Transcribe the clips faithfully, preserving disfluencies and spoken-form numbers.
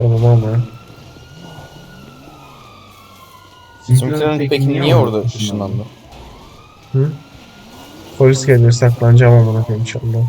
Oğlum ama. Bizimkilerin peki niye orada ışınlandı? Hı? Polis geliyor, saklanacağım amına koyayım inşallah.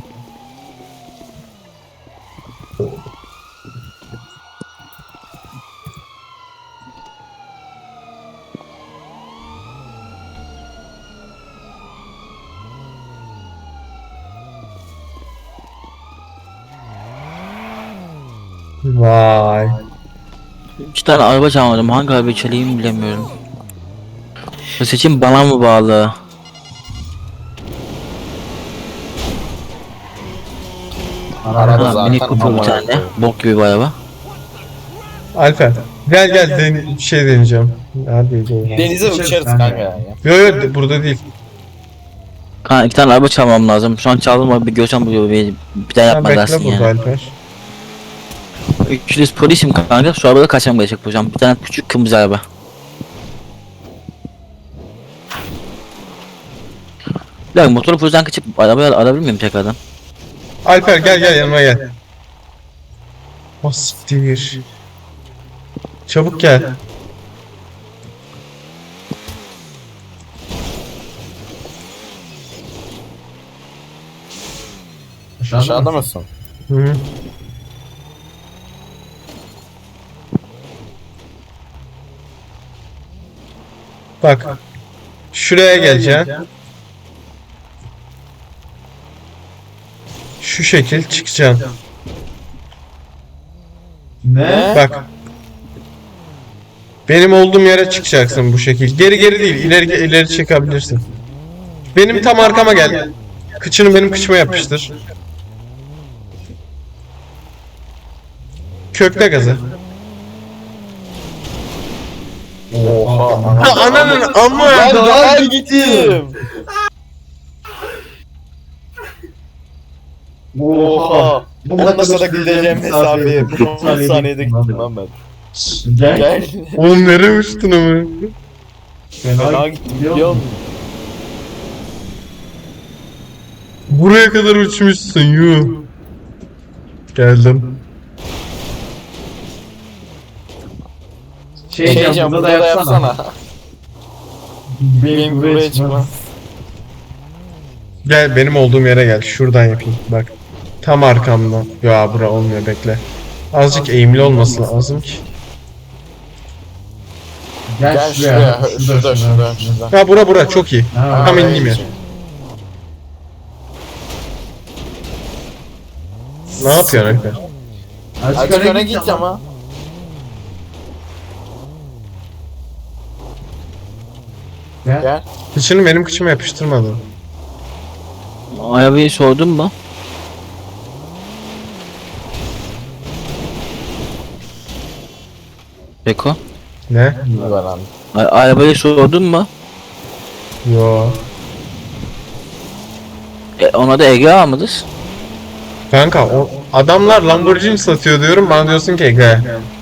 Vay. İki tane araba çalmadım. Hangi arabayı çalayım bilemiyorum. Bu seçim bana mı bağlı? Araba Ha, zaten Mini Cooper bir amına tane. koyayım. Bok gibi bir araba. Alper. Gel gel den bir şey deneyeceğim. Hadi gel. Denize uçarız kanka ya. Yo yo de- burada değil. Kanka iki tane araba çalmam lazım. Şu an çaldım ama bir görsem buluyor. Bir, bir daha Sen yapma bekle dersin burada yani. Alper. Üçlüs polisim kanka. Şu arabada kaçmam gerekecek hocam. Bir tane küçük kırmızı araba. Ya motoru pozdan kaçıp arabayı alabilir miyim tekrardan? Alper gel gel yanıma gel. O siktir. Çabuk gel. Aşağıda mısın? Hı -hı. Bak. Şuraya geleceksin. Şu şekil çıkacaksın. Ne? Bak. Benim olduğum yere çıkacaksın bu şekil. Geri geri değil, ileri ileri çıkabilirsin. Benim tam arkama gel. Kıçını benim kıçıma yapıştır. Kökle gazı. Oha. Ha, ananın amma. Ben daha gittim. Oha. Olmasa da gideceğim mesafeye. on saniyede gittim lan ben. Gel. Oğlum nereye uçtun ama? Fena gittim biliyor musun? Buraya kadar uçmuşsun yuh. Geldim. Şey diyeceğim burada da yapsana. Benim buraya çıkmaz. Gel benim olduğum yere gel. Şuradan yapayım. Bak. Tam arkamdan. Ya bura olmuyor, bekle. Azıcık eğimli olması lazım ki. Gel şuraya. Şurada şurada şurada. Ha bura bura çok iyi. Tam Oraya ineyim ya. geçeyim. Ne yapıyorsun Alper? Azıcık öne git ama. Gel. Kıçını benim kıçıma yapıştırmadın. Arabayı sordun mu? Beko. Ne? Var lan. A- arabayı sordun mu? Yo. E, ona da Ege almadız. Kanka o adamlar Lamborghini satıyor diyorum, bana diyorsun ki Ege.